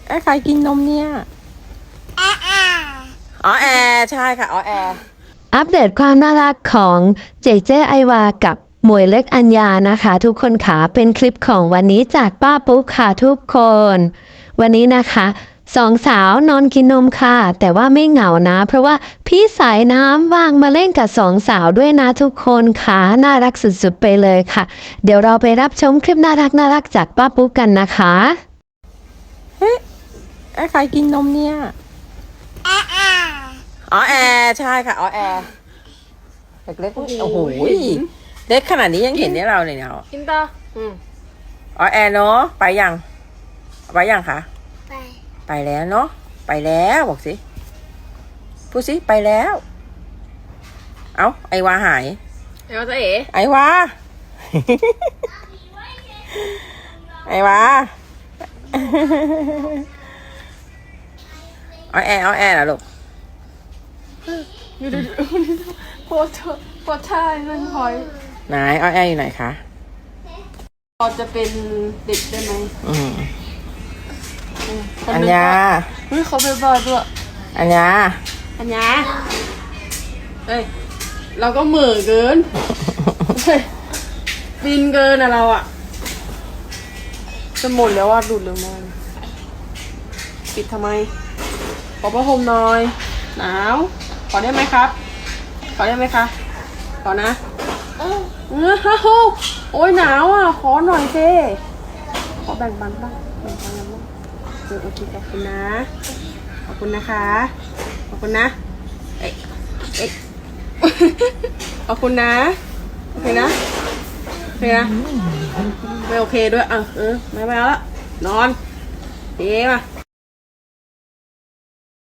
ใครกินนมเนี่ยอ๋อแอใช่ค่ะอ๋อแออัปเดตความน่ารักของเจเจไอวากับหมวยเล็กอัญญานะคะทุกคนค่ะเป็นคลิปของวันนี้จากป้าปุ๊กค่ะทุกคนวันนี้นะคะสองสาวนอนกินนมค่ะแต่ว่าไม่เหงานะเพราะว่าพี่สายน้ำว่างมาเล่นกับสองสาวด้วยนะทุกคนค่ะน่ารักสุดๆไปเลยค่ะเดี๋ยวเราไปรับชมคลิปน่ารักจากป้าปุ๊กกันนะคะใครกินนมเนี่ยอ๋อแอใช่ค่ะอ๋อแอเล็กๆโอ้โหเล็กขนาดนี้ยังเห็นได้เราเลยเนาะกินต่ออ๋อแอเนาะไปยังคะไปแล้วเนาะไปแล้วบอกสิพูดสิไปแล้วเอ้าไอวาหายเดี๋ยวจะเอ๋ไอวา ไอวา เอาแอร์เหรอลูกอยู่ดูโพสท่าเรื่องพอยไหนเอาแอร์อยู่ไหนคะพอจะเป็นเด็กได้ไหมอัญญาเฮ้ยเขาไปบ้าด้วยอัญญาอันยาเฮ้ยเราก็เหม่อเกินเฮ้ยบินเกินอะเราอะจะหมดแล้วว่าดูดเร็วมากปิดทำไมขอผ้าห่มหน่อยหนาวขอได้ไหมครับขอได้ไหมคะขอนะโอ้ยหนาวอ่ะขอหน่อยเจ้ขอแบ่งปันบ้างแบ่งปันกันบ้างโอเคขอบคุณนะขอบคุณนะคะขอบคุณนะเอ๊ะขอบคุณนะโอเคนะโอเคนะไม่โอเคด้วยไม่เอาละนอนเอ๊ะมา